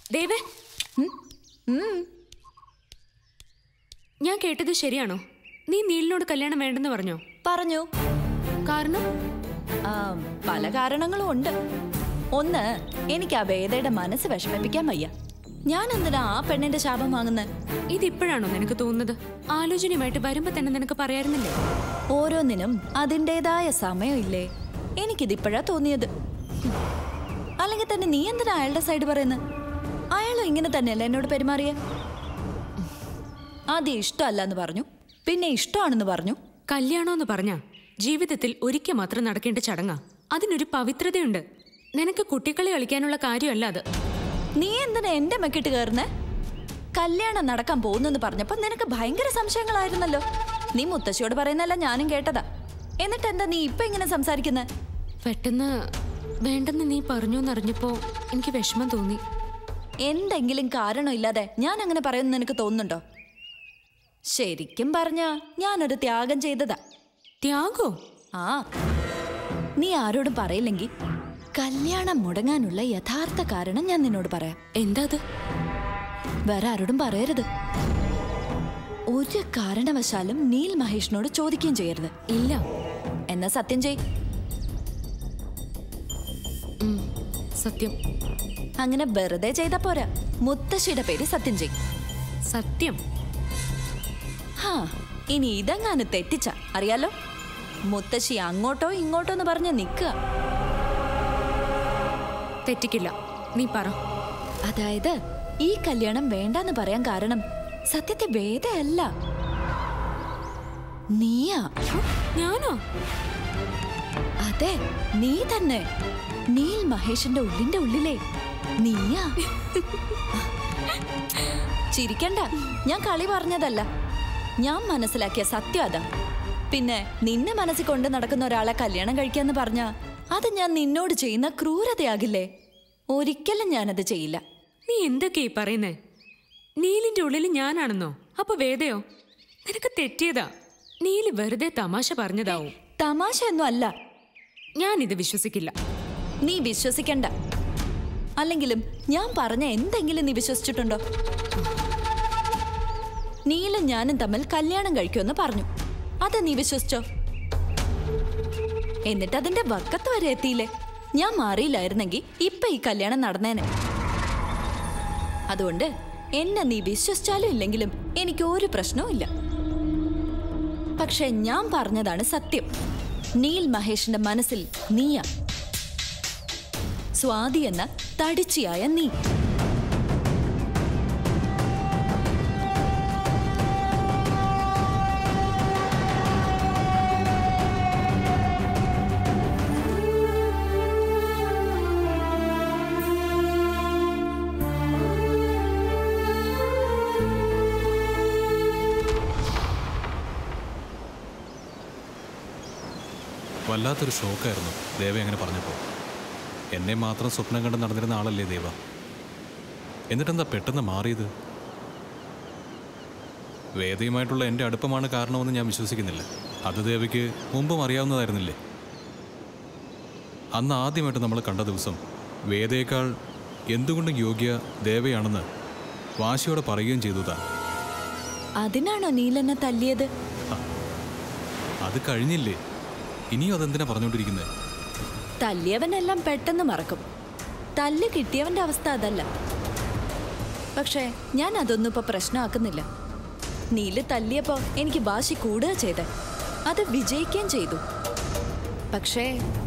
ദേവേ, ഞാൻ കേട്ടത് ശരിയാണോ? നീ നീലിനോട് കല്യാണം വേണ്ടെന്ന് പറഞ്ഞോ? പറഞ്ഞു. കാരണം? പല കാരണങ്ങളും ഉണ്ട്. ഒന്ന്, എനിക്ക് ആ വേദയുടെ മനസ്സ് വിഷമിപ്പിക്കാൻ വയ്യ. ഞാൻ എന്തിനാ ആ പെണ്ണിന്റെ ശാപം വാങ്ങുന്നത്? ഇതിപ്പോഴാണോ നിനക്ക് തോന്നുന്നത്? ആലോചനയുമായിട്ട് വരുമ്പോ തന്നെ നിനക്ക് പറയാറുന്നില്ലേ? ഓരോന്നിനും അതിൻ്റെതായ സമയമില്ലേ? എനിക്കിതിപ്പോഴാ തോന്നിയത്. അല്ലെങ്കിൽ തന്നെ നീ എന്തിനാ അയാളുടെ സൈഡ് പറയുന്നത്? അയാളും ഇങ്ങനെ തന്നെയല്ലേ എന്നോട് പെരുമാറിയ? ആദ്യം ഇഷ്ടമല്ല എന്ന് പറഞ്ഞു, പിന്നെ ഇഷ്ടമാണെന്ന് പറഞ്ഞു. കല്യാണമെന്ന് പറഞ്ഞാ ജീവിതത്തിൽ ഒരിക്കൽ മാത്രം നടക്കേണ്ട ചടങ്ങാ. അതിനൊരു പവിത്രതയുണ്ട്. നിനക്ക് കുട്ടികളെ കളിക്കാനുള്ള കാര്യമല്ല അത്. നീ എന്തിനാ എന്റെ മെക്കിട്ട് കയറുന്നേ? കല്യാണം നടക്കാൻ പോകുന്നെന്ന് പറഞ്ഞപ്പോ നിനക്ക് ഭയങ്കര സംശയങ്ങളായിരുന്നല്ലോ. നീ മുത്തശ്ശിയോട് പറയുന്നല്ല ഞാനും കേട്ടതാ. എന്നിട്ട് എന്താ നീ ഇപ്പൊ ഇങ്ങനെ സംസാരിക്കുന്നത്? പെട്ടെന്ന് വേണ്ടെന്ന് നീ പറഞ്ഞോന്നറിഞ്ഞപ്പോ എനിക്ക് വിഷമം തോന്നി. എന്തെങ്കിലും കാരണമില്ലാതെ ഞാൻ അങ്ങനെ പറയുമെന്ന് നിനക്ക് തോന്നുന്നുണ്ടോ? ശരിക്കും പറഞ്ഞ ഞാനൊരു ത്യാഗം ചെയ്തതാ. ത്യാഗോ? ആ, നീ ആരോടും പറയില്ലെങ്കിൽ കല്യാണം മുടങ്ങാനുള്ള യഥാർത്ഥ കാരണം ഞാൻ നിന്നോട് പറയാം. എന്താ അത്? വേറെ ആരോടും പറയരുത്. ഒരു കാരണവശാലും നീൽ മഹേഷിനോട് ചോദിക്കുകയും ചെയ്യരുത്. ഇല്ല. എന്നാ സത്യം ചെയ്. സത്യം. അങ്ങനെ വെറുതെ ചെയ്താ പോരാ, മുത്തശ്ശിയുടെ പേര് സത്യം ചെയ്. സത്യം? ഹാ, ഇനി ഇതെങ്ങാനും തെറ്റിച്ച അറിയാലോ, മുത്തശ്ശി അങ്ങോട്ടോ ഇങ്ങോട്ടോ എന്ന് പറഞ്ഞ് നിൽക്കുക. തെറ്റിക്കില്ല, നീ പറ. അതായത് ഈ കല്യാണം വേണ്ടെന്ന് പറയാൻ കാരണം സത്യത്തെ വേദയല്ല, നീയാ. ഞാനോ? അതെ, നീ തന്നെ. നീൽ മഹേഷിന്റെ ഉള്ളിന്റെ ഉള്ളിലെ നീയാ. ചിരിക്കണ്ട, ഞാൻ കളി പറഞ്ഞതല്ല. ഞാൻ മനസ്സിലാക്കിയ സത്യം അതാ. പിന്നെ നിന്നെ മനസ്സിൽ കൊണ്ട് നടക്കുന്ന ഒരാളെ കല്യാണം കഴിക്കാന്ന് പറഞ്ഞാ അത് ഞാൻ നിന്നോട് ചെയ്യുന്ന ക്രൂരതയാകില്ലേ? ഒരിക്കലും ഞാനത് ചെയ്യില്ല. നീ എന്തൊക്കെയാ പറയുന്നേ? നീലിന്റെ ഉള്ളിൽ ഞാനാണെന്നോ? അപ്പൊ വേദയോ? നിനക്ക് തെറ്റിയതാ. നീല് വെറുതെ തമാശ പറഞ്ഞതാവും. തമാശയൊന്നും അല്ല. ഞാനിത് വിശ്വസിക്കില്ല. നീ വിശ്വസിക്കണ്ട. അല്ലെങ്കിലും ഞാൻ പറഞ്ഞ എന്തെങ്കിലും നീ വിശ്വസിച്ചിട്ടുണ്ടോ? നീലും ഞാനും തമ്മിൽ കല്യാണം കഴിക്കുമെന്ന് പറഞ്ഞു, അത് നീ വിശ്വസിച്ചോ? എന്നിട്ട് അതിന്റെ വക്കത്ത് വരെ എത്തിയില്ലേ? ഞാൻ മാറിയില്ലായിരുന്നെങ്കിൽ ഇപ്പൊ ഈ കല്യാണം നടന്നേനെ. അതുകൊണ്ട് എന്നെ നീ വിശ്വസിച്ചാലും ഇല്ലെങ്കിലും എനിക്ക് ഒരു പ്രശ്നവും ഇല്ല. പക്ഷെ ഞാൻ പറഞ്ഞതാണ് സത്യം. നീൽ മഹേഷിന്റെ മനസ്സിൽ നീയാ, സ്വാതി എന്ന തടിച്ചിയായ നീ. വല്ലാത്തൊരു ഷോക്കായിരുന്നു ദേവ അങ്ങനെ പറഞ്ഞപ്പോൾ. എന്നെ മാത്രം സ്വപ്നം കണ്ട് നടന്നിരുന്ന ആളല്ലേ ദേവ. എന്നിട്ടെന്താ പെട്ടെന്ന് മാറിയത്? വേദയുമായിട്ടുള്ള എൻ്റെ അടുപ്പമാണ് കാരണമെന്ന് ഞാൻ വിശ്വസിക്കുന്നില്ല. അത് ദേവയ്ക്ക് മുമ്പും അറിയാവുന്നതായിരുന്നില്ലേ? അന്ന് ആദ്യമായിട്ട് നമ്മൾ കണ്ട ദിവസം വേദയേക്കാൾ എന്തുകൊണ്ടും യോഗ്യ ദേവയാണെന്ന് വാശിയോടെ പറയുകയും ചെയ്തു താൻ. അതിനാണോ നീലെന്നെ തല്ലിയത്? അത് കഴിഞ്ഞില്ലേ? ഇനിയും അതെന്തിനാ പറഞ്ഞുകൊണ്ടിരിക്കുന്നത്? തല്ലിയവനെല്ലാം പെട്ടെന്ന് മറക്കും. തല്ല് കിട്ടിയവന്റെ അവസ്ഥ അതല്ല. പക്ഷേ ഞാൻ അതൊന്നും ഇപ്പൊ പ്രശ്നമാക്കുന്നില്ല. നീല് തല്ലിയപ്പോ എനിക്ക് വാശി കൂടുക ചെയ്തേ, അത് വിജയിക്കുകയും ചെയ്തു. പക്ഷേ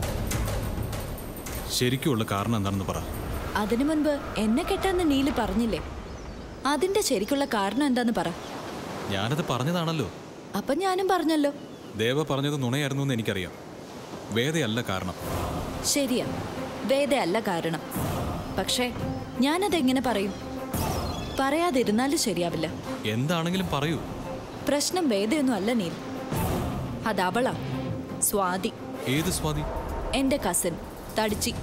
ശരിക്കുള്ള കാരണം എന്താണെന്ന് പറ. അതിനു മുൻപ് എന്നെ കെട്ടാന്ന് നീല് പറഞ്ഞില്ലേ? അതിന്റെ ശരിക്കുള്ള കാരണം എന്താന്ന് പറ. ഞാനത് പറഞ്ഞതാണല്ലോ. അപ്പൊ ഞാനും പറഞ്ഞല്ലോ. ദേവ പറഞ്ഞത് നുണയായിരുന്നു എന്ന് എനിക്കറിയാം. വേദയല്ല കാരണം. ശരിയാ, വേദയല്ല കാരണം. പക്ഷേ ഞാനതെങ്ങനെ പറയും? പറയാതിരുന്നാലും ശരിയാവില്ല. എന്താണെങ്കിലും പറയൂ. പ്രശ്നം വേദയൊന്നും അല്ല നീൽ, അതവളാ, സ്വാതി. ഏത് സ്വാതി? എന്റെ കസിൻ തടിച്ചി.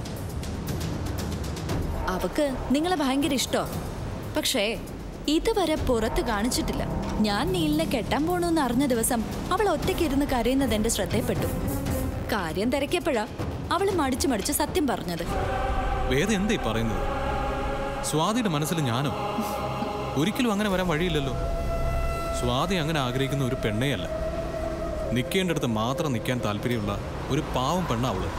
അവക്ക് നിങ്ങളെ ഭയങ്കര ഇഷ്ടോ. പക്ഷേ ഇതുവരെ പുറത്ത് കാണിച്ചിട്ടില്ല. ഞാൻ നീലിനെ കെട്ടാൻ പോണെന്ന് അറിഞ്ഞ ദിവസം അവൾ ഒറ്റയ്ക്കിരുന്ന് കരയുന്നത് എന്റെ ശ്രദ്ധയിൽപ്പെട്ടു. കാര്യം തിരക്കിയപ്പോഴാ അവള് മടിച്ചു മടിച്ച് സത്യം പറഞ്ഞത്. വേദ എന്താ പറയുന്നത്? സ്വാതിയുടെ മനസ്സിൽ ഞാനോ? ഒരിക്കലും അങ്ങനെ വരാൻ വഴിയില്ലല്ലോ. സ്വാതി അങ്ങനെ ആഗ്രഹിക്കുന്ന ഒരു പെണ്ണേയല്ല. നിൽക്കേണ്ടടുത്ത് മാത്രം നിൽക്കാൻ താല്പര്യമുള്ള ഒരു പാവം പെണ്ണ അവള്.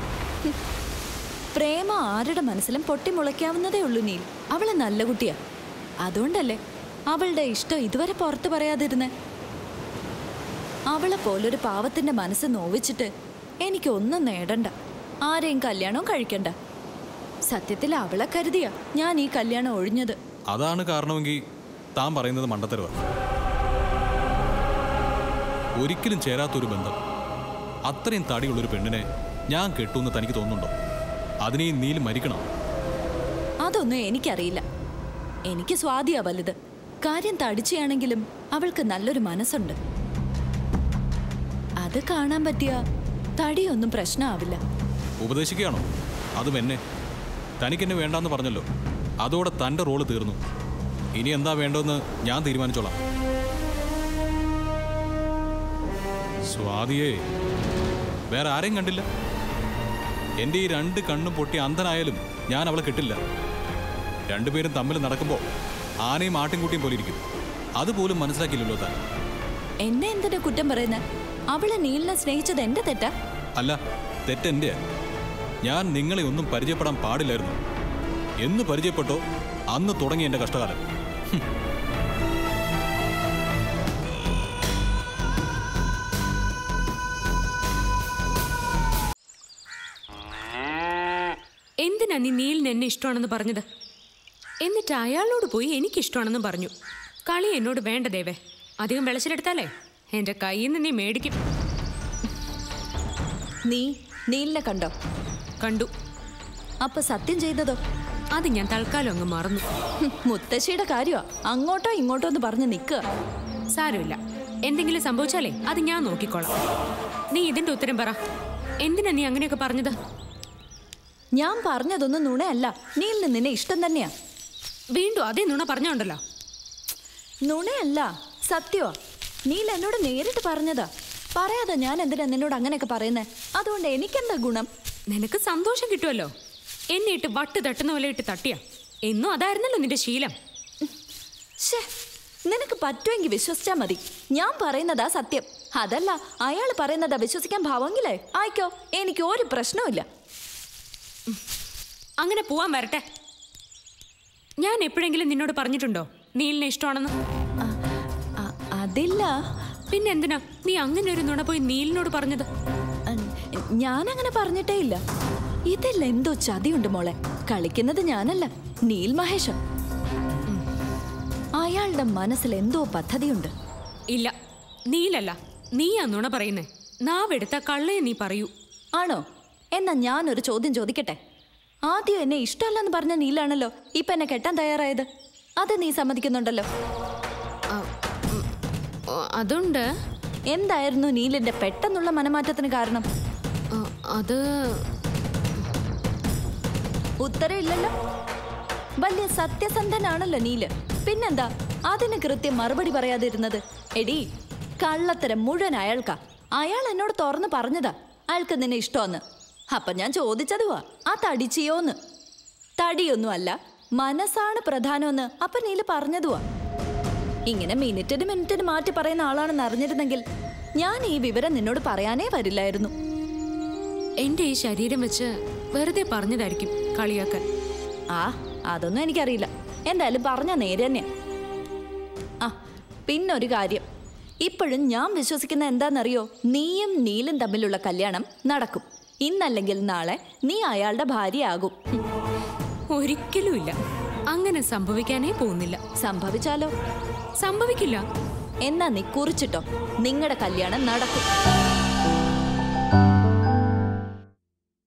പ്രേമം ആരുടെ മനസ്സിലും പൊട്ടിമുളയ്ക്കാവുന്നതേ ഉള്ളൂ നീൽ. അവള് നല്ല കുട്ടിയാ. അതുകൊണ്ടല്ലേ അവളുടെ ഇഷ്ടം ഇതുവരെ പുറത്തു പറയാതിരുന്നേ. അവളെ പോലൊരു പാവത്തിന്റെ മനസ്സ് നോവിച്ചിട്ട് എനിക്കൊന്നും നേടണ്ട, ആരെയും കല്യാണവും കഴിക്കണ്ട. സത്യത്തിൽ അവളെ കരുതിയാ ഞാൻ ഈ കല്യാണം ഒഴിഞ്ഞത്. അതാണ് കാരണമെങ്കിൽ താൻ പറയുന്നത് മണ്ടത്തരവാണ്. ഒരിക്കലും ചേരാത്തൊരു ബന്ധം, അത്രയും തടിയുള്ളൊരു പെണ്ണിനെ ഞാൻ കെട്ടുമെന്ന് തനിക്ക് തോന്നുന്നുണ്ടോ? അതിനെ നീൽ മരിക്കണം. അതൊന്നും എനിക്കറിയില്ല. എനിക്ക് സ്വാതിയാ വലുത്. കാര്യം തടിച്ചയാണെങ്കിലും അവൾക്ക് നല്ലൊരു മനസ്സുണ്ട്. അത് കാണാൻ പറ്റിയ തടിയൊന്നും പ്രശ്നമാവില്ല. ഉപദേശിക്കുകയാണോ? അതും എന്നെ. തനിക്കെന്നെ വേണ്ടാന്ന് പറഞ്ഞല്ലോ. അതോടെ തൻ്റെ റോള് തീർന്നു. ഇനി എന്താ വേണ്ടതെന്ന് ഞാൻ തീരുമാനിച്ചോളാം. സ്വാതിയെ വേറെ ആരെയും കണ്ടില്ല. എൻ്റെ ഈ 2 കണ്ണും പൊട്ടി അന്ധനായാലും ഞാൻ അവളെ കിട്ടില്ല. രണ്ടുപേരും തമ്മിൽ നടക്കുമ്പോൾ ആനയും ആട്ടിൻകുട്ടിയും പോലെ ഇരിക്കും. അതുപോലും മനസ്സിലാക്കിയില്ലല്ലോ താൻ. എന്നെ എന്തിനാ കുറ്റം പറയുന്നത്? അവളെ നീലിനെ സ്നേഹിച്ചത് എന്റെ തെറ്റാ? അല്ല, തെറ്റെൻ്റെ. ഞാൻ നിങ്ങളെ ഒന്നും പരിചയപ്പെടാൻ പാടില്ലായിരുന്നു. എന്ന് പരിചയപ്പെട്ടോ അന്ന് തുടങ്ങി എൻ്റെ കഷ്ടകാലം. എന്തിനാ നീ നീലിന് എന്നെ ഇഷ്ടമാണെന്ന് പറഞ്ഞത്? എന്നിട്ട് അയാളോട് പോയി എനിക്കിഷ്ടമാണെന്ന് പറഞ്ഞു. കളി എന്നോട് വേണ്ട ദേവേ. അധികം വിളച്ചിലെടുത്താലേ എൻ്റെ കയ്യിൽ നിന്ന് നീ മേടിക്കും. നീ നീലിനെ കണ്ടോ? കണ്ടു. അപ്പൊ സത്യം ചെയ്തതോ? അത് ഞാൻ തൽക്കാലം അങ്ങ് മറന്നു. മുത്തശ്ശിയുടെ കാര്യമാ അങ്ങോട്ടോ ഇങ്ങോട്ടോ എന്ന് പറഞ്ഞ് നിൽക്കുക. സാരമില്ല, എന്തെങ്കിലും സംഭവിച്ചാലേ അത് ഞാൻ നോക്കിക്കോളാം. നീ ഇതിന്റെ ഉത്തരം പറ. എന്തിനാ നീ അങ്ങനെയൊക്കെ പറഞ്ഞത്? ഞാൻ പറഞ്ഞതൊന്നും നുണയല്ല. നീലിന് നിന്നെ ഇഷ്ടം തന്നെയാ. വീണ്ടും അതേ നുണ പറഞ്ഞോണ്ടല്ലോ. നുണയല്ല, സത്യമാ. നീൽ എന്നോട് നേരിട്ട് പറഞ്ഞതാ. പറയാതെ ഞാൻ എന്തിനാ നിന്നോട് അങ്ങനെയൊക്കെ പറയുന്നേ? അതുകൊണ്ട് എനിക്കെന്താ ഗുണം? നിനക്ക് സന്തോഷം കിട്ടുമല്ലോ. എന്നെ ഇട്ട് വട്ട് തട്ടുന്ന പോലെ ഇട്ട് തട്ടിയ. എന്നും അതായിരുന്നല്ലോ നിന്റെ ശീലം. ശേ, നിനക്ക് പറ്റുമെങ്കിൽ വിശ്വസിച്ചാ മതി. ഞാൻ പറയുന്നതാ സത്യം. അതല്ല അയാൾ പറയുന്നതാ വിശ്വസിക്കാൻ ഭാവമെങ്കിലേ ആയിക്കോ, എനിക്ക് ഒരു പ്രശ്നവുമില്ല. അങ്ങനെ പോവാൻ വരട്ടെ. ഞാൻ എപ്പോഴെങ്കിലും നിന്നോട് പറഞ്ഞിട്ടുണ്ടോ നീലിനെ ഇഷ്ടമാണെന്ന്? അതില്ല. പിന്നെ എന്തിനാ നീ അങ്ങനെ ഒരു നുണ പോയി നീലിനോട് പറഞ്ഞത്? ഞാനങ്ങനെ പറഞ്ഞിട്ടേ ഇല്ല. ഇതിൽ എന്തോ ചതിയുണ്ട് മോളെ. കളിക്കുന്നത് ഞാനല്ല, നീൽ മഹേഷ്. അയാളുടെ മനസ്സിൽ എന്തോ പദ്ധതിയുണ്ട്. ഇല്ല, നീലല്ല, നീയാ നുണ പറയുന്നേ. നാവെടുത്ത കള്ളയെ നീ പറയൂ. ആണോ? എന്നാ ഞാനൊരു ചോദ്യം ചോദിക്കട്ടെ. ആദ്യം എന്നെ ഇഷ്ടമല്ലെന്ന് പറഞ്ഞ നീലാണല്ലോ ഇപ്പൊ എന്നെ കെട്ടാൻ തയ്യാറായത്. അത് നീ സമ്മതിക്കുന്നുണ്ടല്ലോ. അതുണ്ട്. എന്തായിരുന്നു നീലിന്റെ പെട്ടെന്നുള്ള മനമാറ്റത്തിന് കാരണം? അത് ഉത്തരവില്ലല്ലോ. വലിയ സത്യസന്ധനാണല്ലോ നീല്. പിന്നെന്താ അതിന് കൃത്യം മറുപടി പറയാതിരുന്നത്? എടി, കള്ളത്തരം മുഴുവൻ അയാൾക്കാ. അയാൾ എന്നോട് തുറന്ന് പറഞ്ഞതാ അയാൾക്ക് നിന്നെ ഇഷ്ടമെന്ന്. അപ്പൊ ഞാൻ ചോദിച്ചതുവാ, ആ തടിച്ചിയോന്ന്. തടിയൊന്നും അല്ല, മനസ്സാണ് പ്രധാനമെന്ന് അപ്പൊ നീല് പറഞ്ഞതുവാ. ഇങ്ങനെ മിനിറ്റിന് മാറ്റി പറയുന്ന ആളാണെന്ന് അറിഞ്ഞിരുന്നെങ്കിൽ ഞാൻ ഈ വിവരം നിന്നോട് പറയാനേ വരില്ലായിരുന്നു. എന്റെ ഈ ശരീരം വെച്ച് വെറുതെ പറഞ്ഞതായിരിക്കും കളിയാക്കാൻ. അതൊന്നും എനിക്കറിയില്ല. എന്തായാലും പറഞ്ഞ നേരെ തന്നെയാ. പിന്നൊരു കാര്യം, ഇപ്പോഴും ഞാൻ വിശ്വസിക്കുന്ന എന്താണെന്നറിയോ? നീയും നീലും തമ്മിലുള്ള കല്യാണം നടക്കും. ഇന്നല്ലെങ്കിൽ നാളെ നീ അയാളുടെ ഭാര്യയാകും. ഒരിക്കലുമില്ല, അങ്ങനെ സംഭവിക്കാനേ പോകുന്നില്ല. സംഭവിച്ചാലോ? സംഭവിക്കില്ല. എന്നാ നീ കുറിച്ചിട്ടോ, നിങ്ങളുടെ കല്യാണം നടക്കും.